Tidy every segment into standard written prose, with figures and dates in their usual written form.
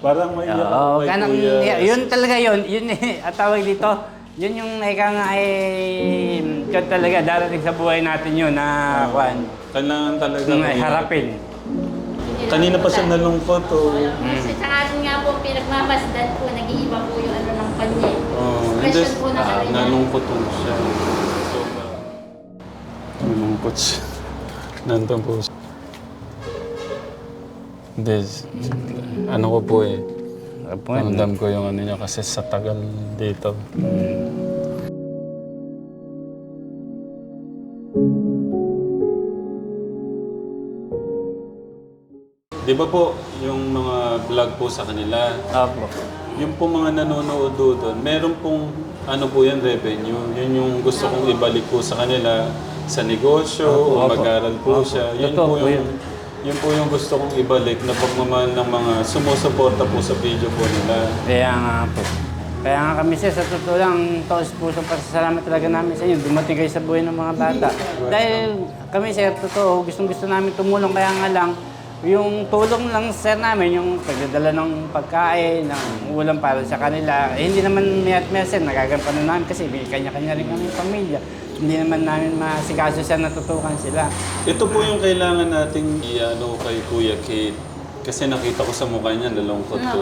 Parang maiyak ako Oo, kay ganang, Kuya. yun talaga yun. Yun at tawag dito. Yun yung ika nga yun talaga darating sa buhay natin yun na kwan. Kailangan talaga. Harapin. Kanina pa siya nalungkot o. Sa akin nga po, pinagmamasdan po, nag-iiba po yung ano ng kanya. Expression po na kanya. Nalungkot po siya. Nalungkot siya. Nandun po siya. Hindi, ano ko po eh. Ramdam ko yung ano niya kasi sa tagal dito. Di ba po, yung mga vlog po sa kanila, Opo. yung po mga nanonood doon, meron pong ano po yan, revenue. Yun yung gusto kong ibalik po sa kanila sa negosyo o Opo. mag-aral po siya. Yun Totoo po po yung, yun po yung gusto kong ibalik na pagmamahal ng mga sumusuporta po sa video po nila. Kaya nga po. Kaya nga kami sir, sa totoo lang, taos pusong pasasalamat talaga namin sa inyo. Dumating kayo sa buhay ng mga bata. Dahil kami sir, totoo, gustong-gusto namin tumulong. Kaya nga lang, yung tulong lang sir namin, yung pagdadala ng pagkain, ng ulam para sa kanila, hindi naman may sir, nagagampanan namin kasi may kanya-kanya rin kami pamilya. Hindi naman namin masikaso siya, natutukan sila. Ito po yung kailangan nating i-ano kay Kuya Kate. Kasi nakita ko sa mukha niya, nalungkot po.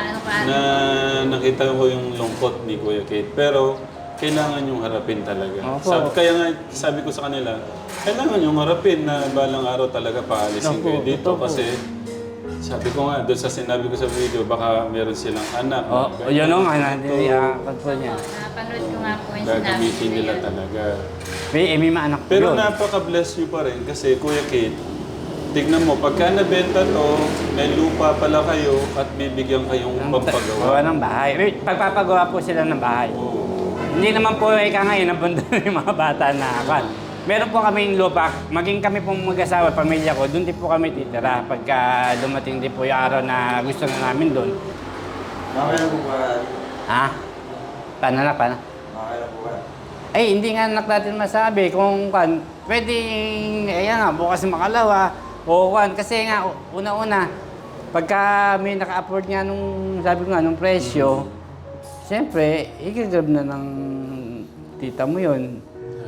Nakita ko yung lungkot ni Kuya Kate. Pero kailangan yung harapin talaga. Kaya nga sabi ko sa kanila, kailangan yung harapin na balang araw talaga paalisin kayo dito. Kasi sabi ko nga, doon sa sinabi ko sa video, baka meron silang anak. Yun o nga, control niya. Napanood ko nga po yung Gagamitin nila talaga. May mga anak ko Pero yun. napaka-bless nyo pa rin kasi Kuya Kate, tignan mo, pagka nabenta to, may lupa pala kayo at bibigyan kayong pampagawa. Gawa ng bahay. Pagpapagawa po sila ng bahay. Hindi naman po ika ngayon nabundon yung mga bata na kan. Meron po kaming lupa, maging kami pong mag-asawa, pamilya ko, doon din po kami titira. Pagka dumating din po yung araw na gusto na namin doon. Makakailan po ba? Ha? Paano? Makakailan po ba? Ay, hindi nga natin masabi kung kan, pwedeng, ayan nga, bukas makalawa, o kan, kasi nga, una-una, pagka may naka-afford nga nung, sabi ko nga, nung presyo, siyempre, i-grab na ng tita mo yun.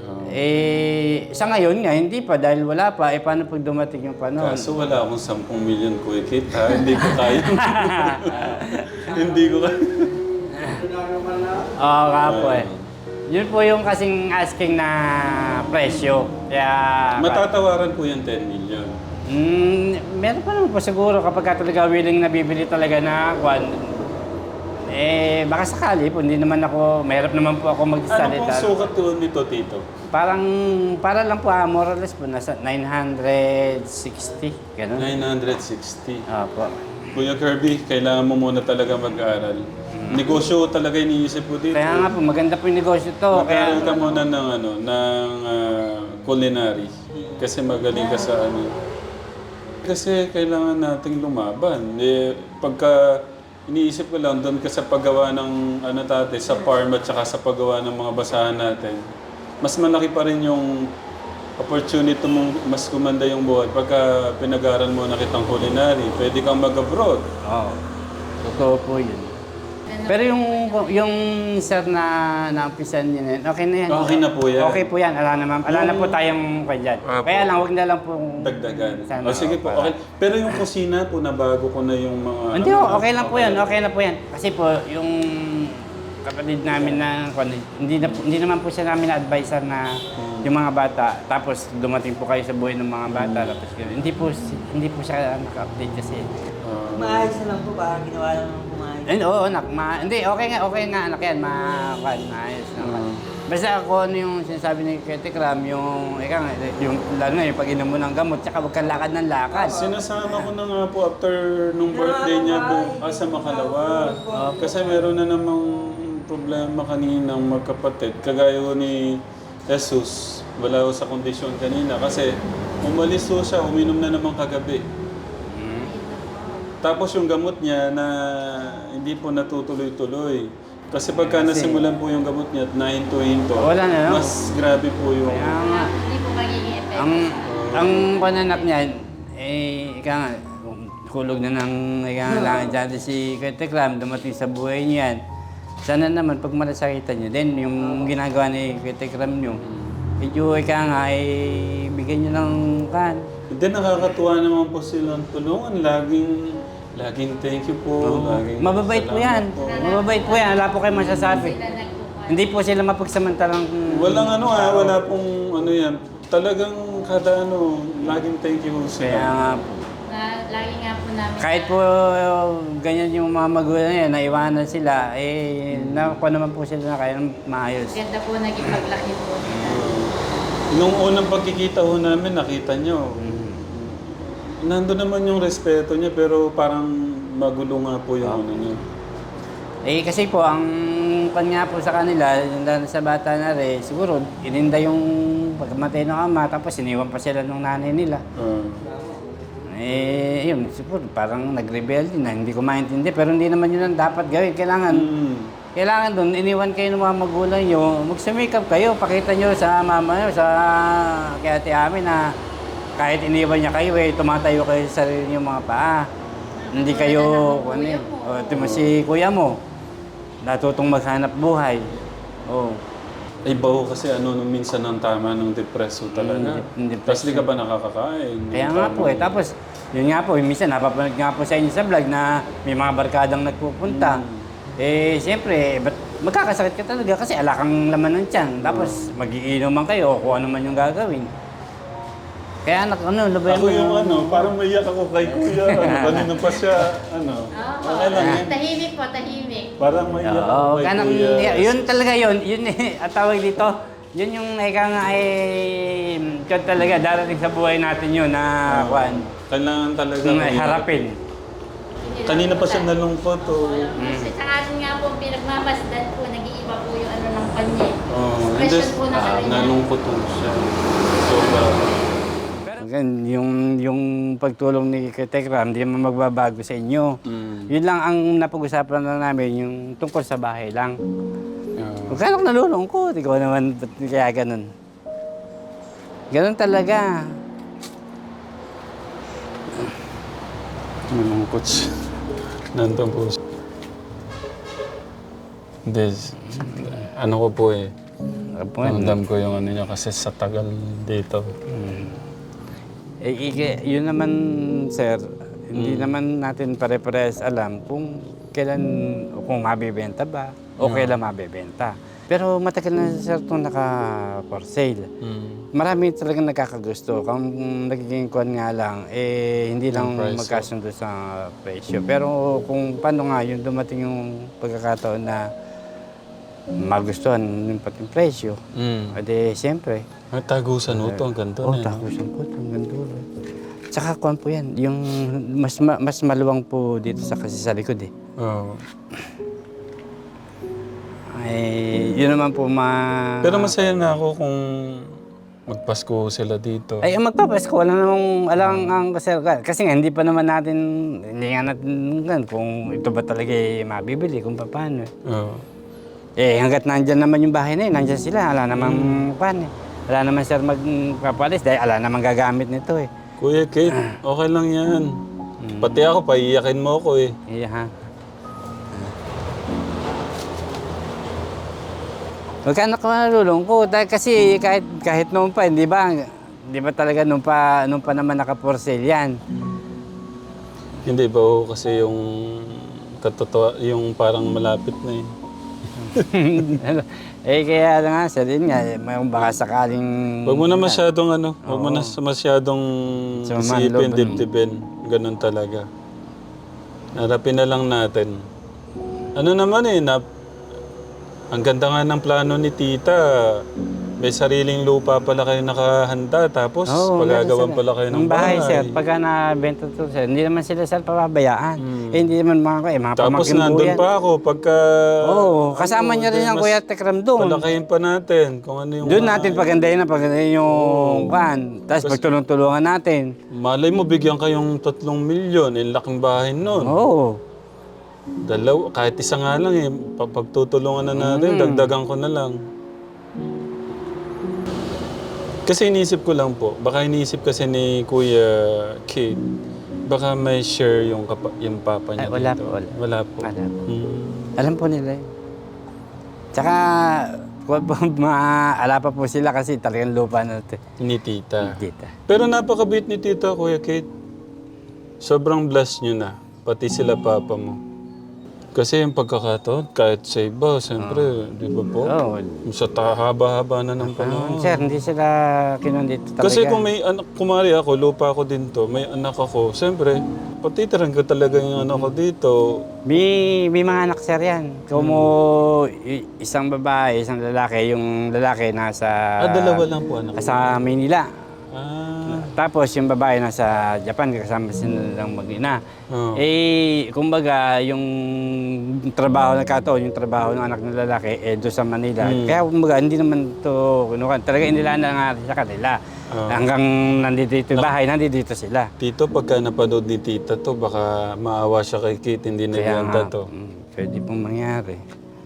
Sa ngayon nga, hindi pa dahil wala pa. Paano pag dumating yung panahon? Kaso wala akong 10 million Kuya Kate ha. Hindi ko kaya. Hindi ko kaya. Oo nga po eh. Yun po yung kasing asking na presyo. Kaya... Matatawaran po yung 10 million. Meron pa naman po siguro kapag talaga willing na bibili talaga na kwan. Baka sakali po, hindi naman ako, mahirap naman po ako Ano magsalita. pong sukat to nito, Tito? Para lang po, more or less po, nasa 960, gano'n. 960. Opo. Kuya Kirby, kailangan mo muna talaga mag-aral. Negosyo talaga iniisip ko dito. Kaya nga po, maganda po yung negosyo to. Mag-aral ka muna ng, culinary. Kasi magaling ka sa ano. Kasi kailangan nating lumaban. Pagka iniisip ko lang, doon ka sa paggawa ng sa farm at saka sa paggawa ng mga basahan natin, mas malaki pa rin yung opportunity mong mas kumanda yung buhay. Pagka pinag-aral mo na kitang culinary, pwede kang mag-abroad. Oo. Totoo po yun. Pero yung sir na naumpisan niya na yun, okay na yan. Okay na po yan. Okay po yan. Ala na po tayong kanya. Kaya lang, huwag na lang pong... Dagdagan. Sana, Sige po, okay. Pero yung kusina po, nabago ko na yung mga... Hindi okay lang po yan. Okay na po yan. Kasi po, yung kapatid namin na... Hindi naman po siya namin na-advisor na yung mga bata. Tapos dumating po kayo sa buhay ng mga bata. Tapos hindi po siya naka-update kasi. Maayos na lang po ba? Ginawa lang ng pumayos. Oo, anak. Hindi, okay nga anak yan. Maayos naman. Basta ako ano yung sinasabi ni Kete Kram, yung lalo na yung pag-inom mo ng gamot, tsaka huwag kang lakad ng lakad. Sinasama ko na nga po after nung birthday niya sa Makalawa. Kasi meron na namang problema kaninang magkapatid. Kagaya ko ni Jesus, wala ko sa kondisyon kanina. Kasi umalis ko siya, uminom na naman kagabi. Tapos yung gamot niya na hindi po natutuloy-tuloy. Kasi pagka nasimulan po yung gamot niya at nahinto-hinto, Wala na, no? mas grabe po yung... Kaya nga, Hindi po magiging effect. ang pananap niyan, ika nga, kulog na ng nangangailangan dyan si Kuya Tekram, dumating sa buhay niyan. Sana naman, pag malasakitan niyo, then yung ginagawa ni Kuya Tekram niyo, medyo ika nga, bigyan niyo ng kan. Hindi, nakakatuwa naman po silang tulungan. Laging thank you po. Laging Mababait po yan. salamat po. Mababait po yan. Wala po kayo masasabi. Sila nagkukuha. Hindi po sila mapagsamantalang... Walang wala pong yan. Talagang kada laging thank you po Kaya sila. nga, Lagi nga po namin kahit po ganyan yung mga magulang niya, naiwanan sila, nakuha naman po sila na kaya maayos. ganda po naging paglaki po nila. Nung unang pagkikita ho namin, nakita nyo. Nandun naman yung respeto niya, pero parang magulo nga po yung niya. Kasi po, ang kanya po sa kanila, lalo sa bata na rin, siguro, ininda yung pagkamatay ng ama, tapos iniwan pa sila ng nanay nila. Yun, siguro, parang nag-rebel din na, hindi ko maintindihan, pero hindi naman yun ang dapat gawin. Kailangan doon, iniwan kayo ng mga magulang nyo, magsumikap kayo, pakita nyo sa mama nyo, sa kay ate amin na kahit iniwan niya kayo, tumatayo kayo sa sarili nyo mga paa. Hindi kayo, si kuya mo, natutong maghanap buhay. Ay, baho kasi nung minsan ang tama ng depreso talaga. Tapos di ka ba nakakakain? Kaya nga po tapos yun nga po, minsan napapanood nga po sa inyo sa vlog na may mga barkadang nagpupunta. Siyempre, ba't magkakasakit ka talaga kasi ala kang laman ng tiyan. Tapos magiinuman kayo o kung ano man yung gagawin. Kaya labayan Ako yung parang maiyak ako kay kuya. Kanina pa siya, okay lang yan. Tahimik po, tahimik. Parang maiyak ako kay kuya. Yun talaga yun at tawag dito, yun yung ika nga yun talaga, darating sa buhay natin yun na Kailangan talaga harapin. Kanina pa siya nalungkot. Kasi sa akin nga po, pinagmamasdan po, nag-iiba po yung ng kanya. Expression po na kanya. nalungkot po siya. Yung pagtulong ni Kuya Tekram, hindi naman magbabago sa inyo. Yun lang ang napag-usapan lang namin, yung tungkol sa bahay lang. Kung kaya ako nalulungkot, ikaw naman, ba't kaya ganun? Ganun talaga. Nalungkot siya. Nandun po siya. Hindi, ko po ramdam ko yung niya kasi sa tagal dito. Yun naman, sir, hindi naman natin pare-pares alam kung kailan, kung mabibenta ba, o kailan mabibenta. Pero matagal na, sir, itong naka-for sale. Marami talagang nagkakagusto. Kung nagiging kuwan nga lang, hindi lang magkasundo sa presyo. Pero kung paano nga yung dumating yung pagkakataon na magustuhan yung pating presyo, siyempre. Tagusan mo ito, ang ganda na. Tagusan po ito, ang ganda. Tsaka kuwan po yan, yung mas maluwang po dito kasi sa likod yun naman po Pero masaya na ako kung magpasko sila dito. Ang magpapasko, wala namang alang ang kasal. Kasi nga, hindi pa naman natin, hindi nga natin kung ito ba talaga mabibili, kung paano. Hanggat nandyan naman yung bahay na yun, nandyan sila, wala namang paano. Wala naman sir magpapalis dahil wala namang gagamit nito Kuya Kate, okay lang yan. Pati ako, paiyakin mo ako Iya. Huwag ka nakalulungkot kasi kahit noon pa, di ba talaga noon pa naman naka-for sale yan. Hindi ba kasi yung yung parang malapit na Kaya nga, sir, yun nga, baka sakaling... Huwag mo na masyadong huwag mo na masyadong isipin, dibdibin. Ganun talaga. Harapin na lang natin. Ang ganda nga ng plano ni tita. May sariling lupa pala kayo nakahanda, tapos pagagawan pala kayo ng bahay. Sir, pagka nabenta to, sir, hindi naman sila sir pababayaan. Hindi naman mga tapos pamangkin nandun yan. pa ako pagka... kasama niya rin ang Kuya Tekram doon. Palakayin pa natin kung ano yung... Doon natin pagandahin yung van. Tapos pagtulong-tulungan natin. Malay mo, bigyan kayong 3 milyon. Laking bahay nun. Kahit isa nga lang pagtutulungan na natin, dagdagan ko na lang. Kasi iniisip ko lang po, baka iniisip kasi ni Kuya Kate, Baka may share yung, yung papa niya Ay, wala dito. po, wala. Wala po. Wala po. Mm. Alam po nila yun. Tsaka, ala pa po sila kasi talagang lupa na ito. Ni tita. Dita. Pero napakabait ni tita, Kuya Kate. Sobrang blessed nyo na. Pati sila papa mo. Kasi yung pagkakataon, kahit sa iba, siyempre, di ba po? Oo. Sa haba-haba na ng panahon. Sir, hindi sila kinundito talaga. Kasi kung may anak, kumari ako, lupa ako din to, may anak ako, siyempre, patitiran ko talaga yung anak ko dito. May mga anak sir yan. Kung mo isang babae, isang lalaki, yung lalaki nasa... Dalawa lang po anak. Sa Manila. Tapos, Tapos yung babae nasa Japan, kasama silang mag-ina. Oh. Kumbaga, yung trabaho yung trabaho ng anak ng lalaki, doon sa Manila. Kaya kumbaga, hindi naman ito kinuha. Talaga inilaan na nga sa kanila. Hanggang nandito yung bahay, nandito sila. Tito, pagka napanood ni tita to, baka maawa siya kay Kate, hindi na ibenta to. Pwede pong mangyari.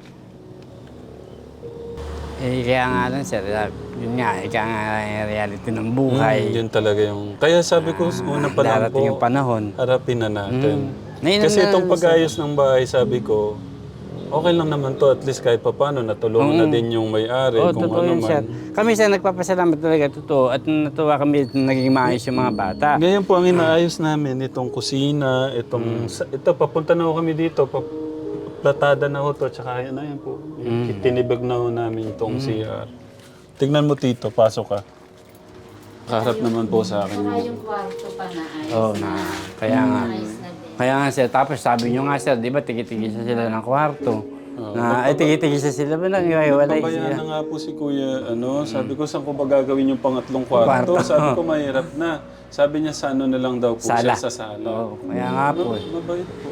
Kaya nga lang sir, yun nga, ika nga reality ng buhay. Yun talaga yung... Kaya sabi ko, una pa lang po, Darating yung panahon. harapin na natin. Ngayon Kasi na- itong pag-ayos ng bahay, sabi ko, okay lang naman to, at least kahit paano, natulungan na din yung may-ari, kung totoo ano yun, sir. man. Kami sir, nagpapasalamat talaga, totoo. At natuwa kami naging maayos yung mga bata. Ngayon po, ang inaayos namin, itong kusina, ito, papunta na ho kami dito, platada na ho to, tsaka yun na yan po. Tinibag na ho namin itong CR. Tignan mo tito, pasok ka. Kaharap naman po sa akin. Saka yung kwarto pa na ayos Oo, na. kaya nga. Ayos na din. Kaya nga sir, tapos sabi nyo nga sir, di ba tigil-tigil sila ng kwarto. Tigil-tigil sila ba nang iwalay Pabayaan sila. na nga po si Kuya, sabi ko, saan ko ba gagawin yung pangatlong kwarto? Sabi ko, mahirap na. Sabi niya, sa ano na lang daw po siya, sa sala. Oo, kaya nga po. Mabait po.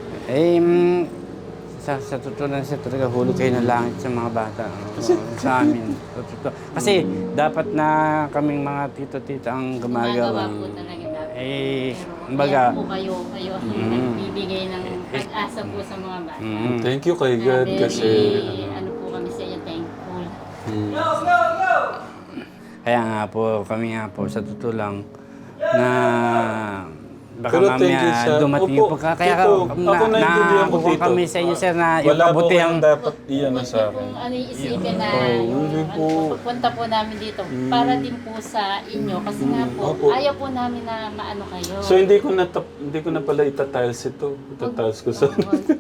Sa totoo lang sir, talaga hulog kayo ng langit sa mga bata. Sa amin. Totoo. Kasi dapat na kaming mga tito-tita ang Gumagawa gumagawa. po talaga dapat. Kumbaga, Kaya po kayo ang nagbibigay ng pag-asa po sa mga bata. Thank you kay God kasi... Ano po kami sa iyo, thankful. kaya nga po, kami nga po, sa totoo lang, na baka Pero thank you, mamaya sir. dumating Opo, yung kaya Tito, ako naiintindihan ko, nakukuha Tito. kami sa inyo sir na yung Wala po kabutihan. kayong dapat iyan na sa akin. Kung ano yung isipin na hindi po. pagpunta po namin dito para din po sa inyo kasi nga po Opo. ayaw po namin na maano kayo. So hindi ko na pala itatiles ito. Itatiles ko sa...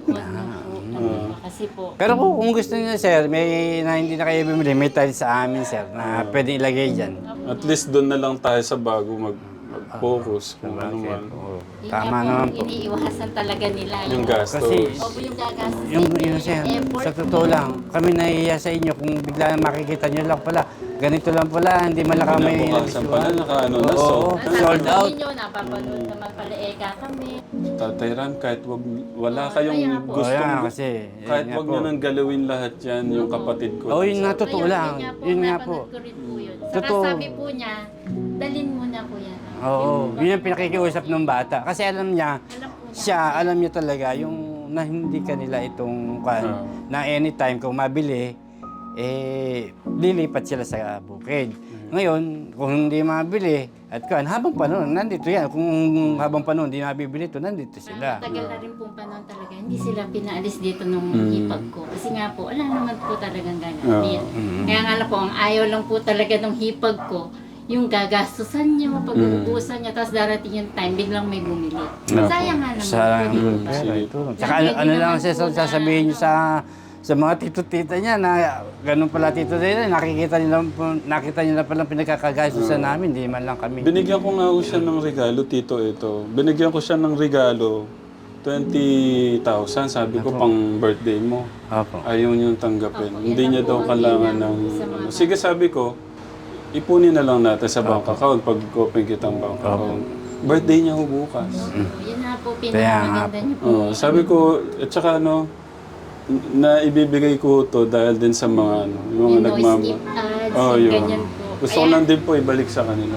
Kasi po Pero kung gusto niyo sir, may na hindi na kayo bumili, may tiles sa amin sir na pwede ilagay dyan. At least doon na lang tayo sa bago mag-focus kung ano man. yun Tama nga naman po, po. iniiwasan talaga nila Yung gastos. Kasi- Opo, yung gagastos. Yung sir, sa totoo lang, kami nahihiya sa inyo kung bigla na makikita nyo lang pala, ganito lang pala, hindi man lang kami Kinabukasan pala, nakaano na, Oo, sold. sold out. Ninyo, napapanood naman pala kami. Tatay Ram, kahit wala kayong kaya po. gusto, Kaya kasi, kahit yun nga wag po. nyo nang galawin lahat yan, yung kapatid ko. Oo, yun nga, totoo Ayun, lang. Yun nga po. napanood ko rin po yun. Saka Totoo. sabi po niya, dalin mo na po yan. Oo, yun ang pinakikiusap ng bata. Kasi alam niya, alam niya talaga yung na hindi kanila itong na anytime kung mabili, lilipat sila sa bukid. Ngayon, kung hindi mabili, at habang panahon, nandito yan. Kung habang panahon hindi mabibili ito, nandito sila. Tagal na rin pong panahon talaga. Hindi sila pinaalis dito nung hipag ko. Kasi nga po, wala naman po talagang gagawin. Kaya nga lang po, ang ayaw lang po talaga ng hipag ko, yung gagastusan niyo, pag-uubusan niya, tapos darating yung time, biglang may bumili. Sayang nga naman Sayang po. yung pera ito. Tsaka ano lang sasabihin niyo sa mga tito-tita niya na ganun pala tito nila, nakita niyo na palang pinagkakagastusan namin, di man lang kami. Binigyan ko nga ho siya ng regalo, Tito, ito. Binigyan ko siya ng regalo, 20,000, sabi ko pang birthday mo. Opo. Ayaw niyang tanggapin. Hindi niya daw kailangan ng... Sige, sabi ko, ipunin na lang natin sa bank account pag open kitang bank account. Birthday niya ho bukas. Yun na po, Kaya nga pinakamaganda niyo po. Sabi ko, at saka na ibibigay ko to dahil din sa mga yung mga Yung noise skip ads, yun. ganyan po. Gusto ko lang din po ibalik sa kanila.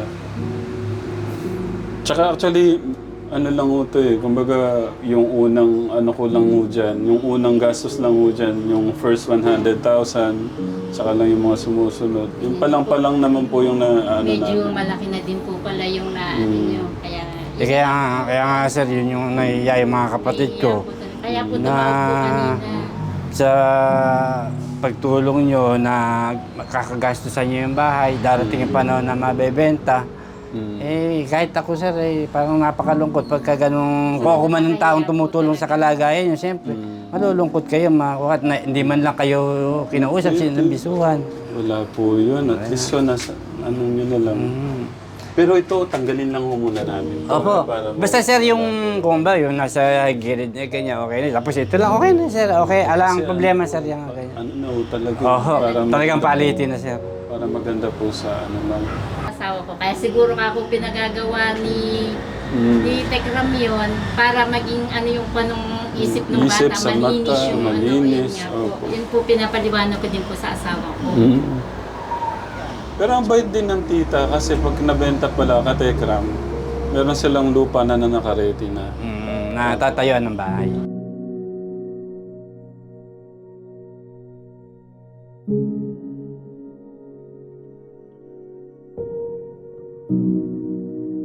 Tsaka actually, ano lang ho to kumbaga yung unang ano ko lang ho dyan, yung unang gastos lang ho dyan, yung first 100,000, saka lang yung mga sumusunod. Yung palang naman po yung na ano Medyo namin. malaki na din po pala yung na ano nyo. Kaya Kaya nga sir, yun yung nahiya yung mga kapatid ko. Kaya po Na- tumawag po kanina. Sa pagtulong nyo na kakagastusan nyo yung bahay, darating yung panahon na mabebenta. Kahit ako sir, parang napakalungkot pagka ganun, kung ako man ng taong tumutulong sa kalagayan nyo, siyempre, malulungkot kayo, makukat na hindi man lang kayo kinausap, sinabisuhan. Wala po yun. At least yun, nasa, ano nyo na lang. Pero ito, tanggalin lang ho muna namin. Opo. Basta sir, yung kung ba, yung nasa gilid niya, kanya, okay na. Tapos ito lang, okay na sir, okay. Alang problema sir, yung okay. Ano na ho, talaga. Oo, talagang maganda- palitin na sir. Para maganda po sa ano man. Asawa ko. Kaya siguro ako pinagagawa ni Tekram yun para maging ano yung panong isip ng Isip bata, sa malinis mata, yung malinis, ano, yun nga po. opo. Yun po pinapaliwanag ko din po sa asawa ko. Pero ang bait din ng tita kasi pag nabenta pala ka Tekram, meron silang lupa na nakaredy na. Natatayuan ng bahay.